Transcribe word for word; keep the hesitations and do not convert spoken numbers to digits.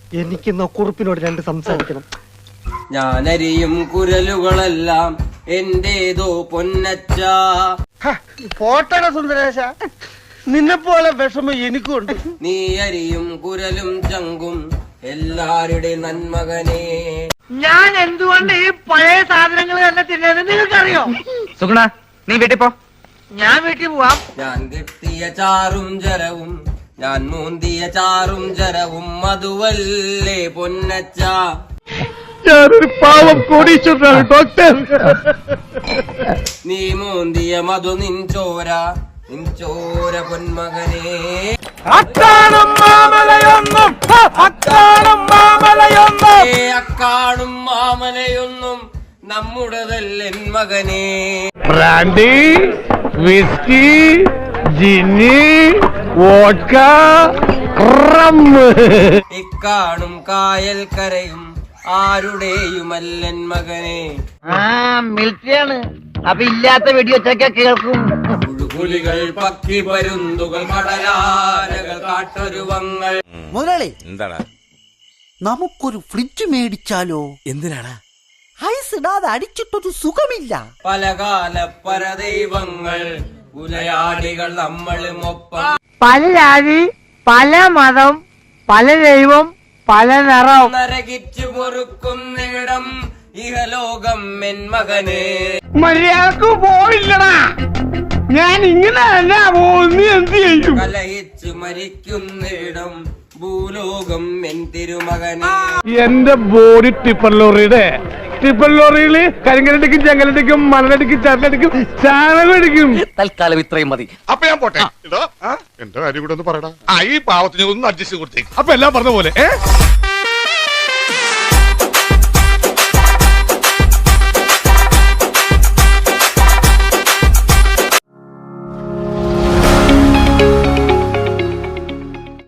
എനിക്കിന്ന് കുറുപ്പിനോട് രണ്ട് സംസാരിക്കണം. ഞാനരിയും കുരലുകളെല്ലാം എന്റേതോ പൊന്നച്ച. പോട്ടട സുന്ദരേശ, നിന്നെ പോലെ വിഷമം എനിക്കുണ്ട്. നീ അരിയും കുരലും ചങ്കും എല്ലാരുടെ നന്മകനെ. ഞാൻ എന്തുകൊണ്ട് ഈ പഴയ സാധനങ്ങൾ തന്നെ തിന്നത് നിങ്ങൾക്കറിയോ? സുഗുണ, നീ വീട്ടിൽ പോ. ഞാൻ വീട്ടിൽ പോവാം. ഞാൻ കിട്ടിയ ചാറും ജരവും ഞാൻ മൂന്തിയ ചാറും ജരവും മധുവല്ലേ പൊന്നച്ച. ഞാനൊരു പാവം കോടീശ്വരനാണ് ഡോക്ടർ. നീ മൂന്തിയ മധു നിൻചോര നിൻചോര പൊന്മകനെ. അക്കാണും മാമലയൊന്നും അക്കാണും മാമലയൊന്നും അക്കാണും മാമലയൊന്നും നമ്മുടേതല്ലെൻ മകനെ. ബ്രാൻഡി, വിസ്കി, ജിന്നി, വോഡ്ക, റമ്മ്. ഇക്കാണും കായൽ കരയും ആരുടെയുമല്ലൻ മകനെ. ആ മിലിറ്ററിയാണ്, അപ്പൊ ഇല്ലാത്ത വെടിവെച്ചൊക്കെ കേൾക്കും. പുലികൾ പക്കി പരുന്തുകൾ കടലാനകൾ കാട്ടൊരുവങ്ങൾ. മുതലാളി, എന്താടാ നമുക്കൊരു ഫ്രിഡ്ജ് മേടിച്ചാലോ? എന്തിനാടാ? ഐസ് ഇടാതെ അടിച്ചിട്ടൊരു സുഖമില്ല. പലകാല പരദൈവങ്ങൾ ഉലയാടികൾ നമ്മളും ഒപ്പം. പല ജാതി, പല മതം, പല ദൈവം, പല നിറം. നരകിച്ചു പൊറുക്കുന്നിടം ഇഹലോകം എൻ മകനെ. മര്യാദക്ക് പോയില്ലടാ, ഞാൻ ഇങ്ങനെ അല്ല പോകുന്നു. എന്ത് ചെയ്യും? കലഹിച്ചു മരിക്കുന്നിടം ഭൂലോകം എൻ തിരുമകനെ. എന്റെ ബോഡി ടിപ്പർ ലോറിയുടെ ടിപ്പർ ലോറിയില് കരിങ്കലടിക്കും ചെങ്കലടിക്കും മണലടിക്കും ചരലടിക്കും ചാണകടിക്കും. തൽക്കാലം ഇത്രയും മതി. അപ്പൊ ഞാൻ പോട്ടെ. എന്റെ കാര്യം കൂടെ ഒന്ന് പറയടാ. ഈ പാവത്തിന് ഒന്ന് അഡ്ജസ്റ്റ് കൊടുത്തേക്ക്. അപ്പൊ എല്ലാം പറഞ്ഞ പോലെ.